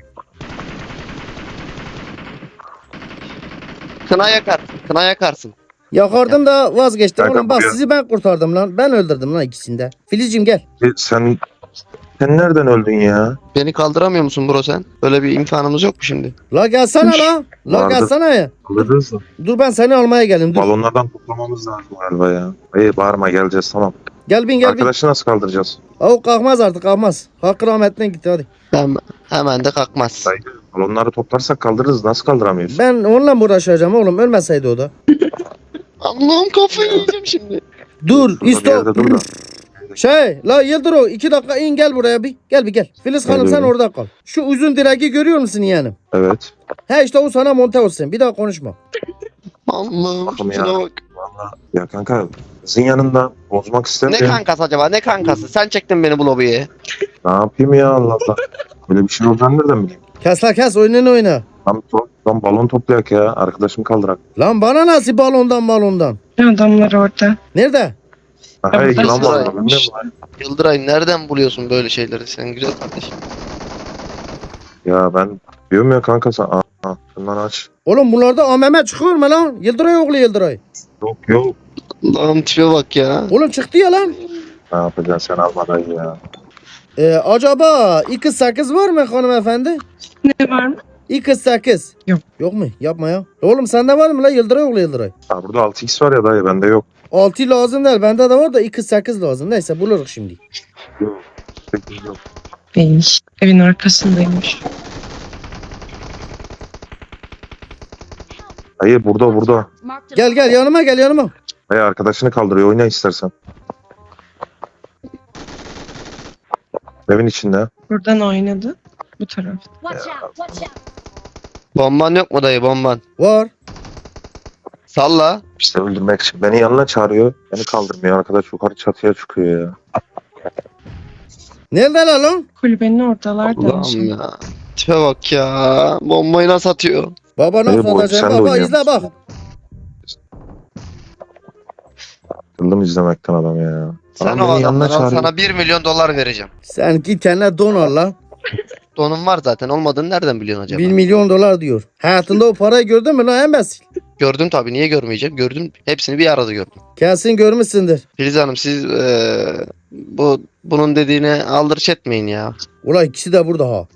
Speaker 4: Kına yakarsın.
Speaker 1: Yakardım da vazgeçtim.
Speaker 3: Kanka
Speaker 1: Oğlum bak
Speaker 3: buraya-
Speaker 1: sizi ben kurtardım lan. Ben öldürdüm lan ikisini de. Filizciğim gel.
Speaker 3: Sen nereden öldün ya?
Speaker 4: Beni kaldıramıyor musun bro sen? Böyle bir imkanımız yok mu şimdi?
Speaker 1: La gelsene la. La
Speaker 3: Vardı.
Speaker 1: gelsene ya.
Speaker 3: Alırız mı?
Speaker 1: Dur ben seni almaya geldim. Dur.
Speaker 3: Balonlardan toplamamız lazım galiba ya. İyi bağırma geleceğiz tamam.
Speaker 1: Gel bin.
Speaker 3: Arkadaşı nasıl kaldıracağız?
Speaker 1: O kalkmaz artık kalkmaz. Hakkı rahmetine gitti hadi.
Speaker 4: Hemen de kalkmaz.
Speaker 3: Dayı balonları toplarsak kaldırırız. Nasıl kaldıramıyoruz?
Speaker 1: Ben onunla mı uğraşacağım oğlum ölmeseydi o da.
Speaker 4: Allah'ım kafayı yiyeceğim şimdi.
Speaker 1: Dur
Speaker 3: Şurada bir yerde
Speaker 1: istop.
Speaker 3: dur da.
Speaker 1: La Yıldırım 2 dakika in gel buraya bir. Gel. Filiz Hanım sen
Speaker 3: Geliyorum.
Speaker 1: orada kal. Şu uzun direği görüyor musun yeğenim?
Speaker 3: Evet.
Speaker 1: He işte o sana monte olsun. Bir daha konuşma.
Speaker 4: Allah'ım
Speaker 3: Bakım ya.
Speaker 4: şuna bak.
Speaker 3: Vallahi ya kanka kızın yanında bozmak
Speaker 4: Ne
Speaker 3: istemiyorum.
Speaker 4: kankası acaba? Ne kankası? Sen çektin beni bu lobiye.
Speaker 3: Ne yapayım ya Allah Allah. Böyle bir şey olacağını nereden bileyim?
Speaker 1: Kes oyununu oyna.
Speaker 3: Tam balon toplayak ya. Arkadaşım kaldırak.
Speaker 1: Lan bana nasıl balondan.
Speaker 2: Adamlar orada.
Speaker 1: Nerede?
Speaker 3: Hey
Speaker 2: burada
Speaker 3: yılan var.
Speaker 4: sıraymış.
Speaker 3: Bilmiyorum lan.
Speaker 4: Yıldıray nereden buluyorsun böyle şeyleri sen güzel kardeşim?
Speaker 3: Ya ben diyorum ya kanka sen. Aa, şundan aç.
Speaker 1: Oğlum bunlarda AMM çıkıyor mu lan? Yıldıray oğlu Yıldıray.
Speaker 3: Yok.
Speaker 4: Allah'ım tipe bak ya.
Speaker 1: Oğlum çıktı ya lan.
Speaker 3: Ne yapacaksın sen almadan ya.
Speaker 1: Acaba 2.8 var mı hanımefendi?
Speaker 2: Ne var mı?
Speaker 1: 2.8.
Speaker 2: Yok.
Speaker 1: Yok mu? Yapma ya. Oğlum sende var mı lan Yıldıray oğlu Yıldıray?
Speaker 3: Ha, burada 6x var ya dayı bende yok.
Speaker 1: 6 lazım değil. Bende de var da 2.8 lazım. Neyse buluruz şimdi.
Speaker 3: Yok. 8 yok.
Speaker 2: Değilmiş. Evin arkasındaymış.
Speaker 3: Dayı burada.
Speaker 5: Marked a
Speaker 1: Gel yanıma.
Speaker 3: Dayı arkadaşını kaldırıyor oyna istersen. Evin içinde.
Speaker 2: Buradan oynadı. Bu tarafta.
Speaker 5: Watch out.
Speaker 4: Bomban yok mu dayı bomban?
Speaker 1: Var.
Speaker 4: Salla.
Speaker 3: İşte öldürmek için beni yanına çağırıyor. Beni kaldırmıyor arkadaş yukarı çatıya çıkıyor ya.
Speaker 1: Neredeler lan?
Speaker 2: Kulübenin oradalar da.
Speaker 4: Allah'ım ya. Tipe bak ya. Bombayı nasıl atıyor?
Speaker 1: Baba
Speaker 3: Dayı,
Speaker 1: nasıl
Speaker 3: bu
Speaker 1: atacak?
Speaker 3: sen de
Speaker 1: Baba
Speaker 3: oynuyor
Speaker 1: izle bak.
Speaker 3: Sıkıldım izlemekten adam ya.
Speaker 4: Sen
Speaker 3: Adam
Speaker 4: o
Speaker 3: beni yanına
Speaker 4: adamlara
Speaker 3: çağırıyor.
Speaker 4: sana 1 milyon dolar vereceğim.
Speaker 1: Sen git kendine don al lan.
Speaker 4: Donun var zaten olmadığını nereden biliyorsun acaba?
Speaker 1: 1 milyon dolar diyor. Hayatında o parayı gördün mü lan embesil?
Speaker 4: Gördüm tabii niye görmeyeceğim? Gördüm hepsini bir arada gördüm.
Speaker 1: Kesin görmüşsündür.
Speaker 4: Filiz Hanım siz bunun dediğine aldırış etmeyin ya.
Speaker 1: Ulan ikisi de burada ha.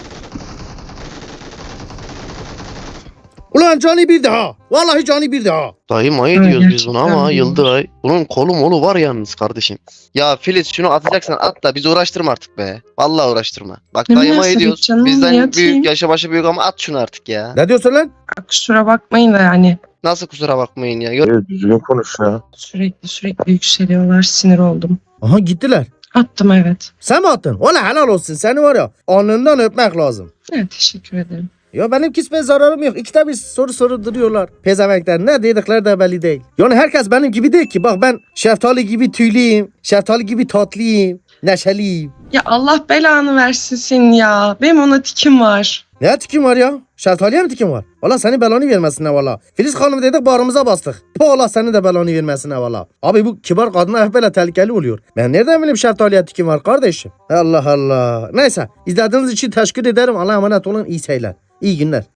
Speaker 1: Ulan cani bir daha. Vallahi cani bir daha.
Speaker 4: Dayı mayı
Speaker 2: Öyle
Speaker 4: diyoruz biz buna ama
Speaker 2: gerçekten
Speaker 4: Yıldıray. Bunun kolu molu var yalnız kardeşim. Ya Filiz şunu atacaksan at da bizi uğraştırma artık be. Vallahi uğraştırma. Bak
Speaker 2: Ne
Speaker 4: dayı mayı
Speaker 2: münasebet
Speaker 4: diyoruz.
Speaker 2: canım, niye
Speaker 4: Bizden
Speaker 2: atayım?
Speaker 4: büyük yaşa başı büyük ama at şunu artık ya.
Speaker 1: Ne diyorsun lan?
Speaker 2: Kusura bakmayın da yani.
Speaker 4: Nasıl kusura bakmayın ya.
Speaker 3: Dayı, düzgün konuş ya.
Speaker 2: Sürekli yükseliyorlar. Sinir oldum.
Speaker 1: Aha gittiler.
Speaker 2: Attım evet.
Speaker 1: Sen mi attın? Ola helal olsun. Seni var ya alnından öpmek lazım.
Speaker 2: Evet teşekkür ederim.
Speaker 1: Ya benim hiçbir zararım yok. İkide bir soru duruyorlar. Pezemekler ne dedikleri de belli değil. Yani herkes benim gibi değil ki. Bak ben şeftali gibi tüylüyüm. Şeftali gibi tatlıyım. Neşeliyim.
Speaker 2: Ya Allah belanı versin senin ya. Benim ona tikim var.
Speaker 1: Ne tikim var ya? Şeftaliye mi tikim var? Valla seni belanı vermesin ne valla. Filiz Hanım dedik bağrımıza bastık. Po Allah seni de belanı vermesin ne valla. Abi bu kibar kadına hep böyle tehlikeli oluyor. Ben nereden bileyim şeftaliye tikim var kardeşim? Allah Allah. Neyse izlediğiniz için teşekkür ederim. Allah'a emanet olun. İyi seyirler. İyi günler.